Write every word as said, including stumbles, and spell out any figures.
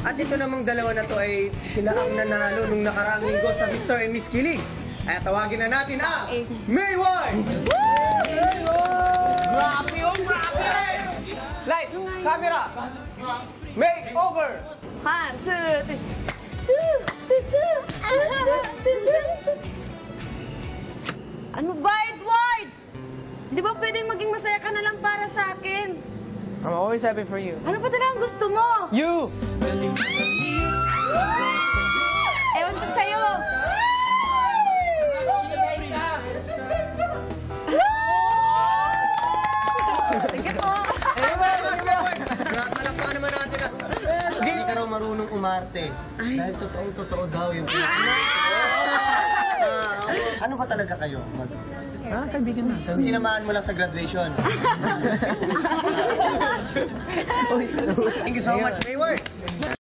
At ito namang dalawa na to ay sila ang nanalo nung nakaraang linggo sa Mister and Miss Kilig. Kaya tawagin na natin ang Mayward! Grabe yung grabe! Light, camera, makeover! One, two, three. Two, two, two, two, two, two, two. Ano ba, Edward? Di ba pwedeng maging masaya ka na lang para sa akin? I'm always happy for you. Ano pa talaga ang gusto mo? You! Ewan ko sa'yo. Sige po. Malakpakan naman natin ah. Hindi ka raw marunong umarte. Dahil totoong totoo daw yung ano ba talaga kayo? Ah, kaibigan na. Sinamahan mo lang sa graduation. Thank you so much, Mayward.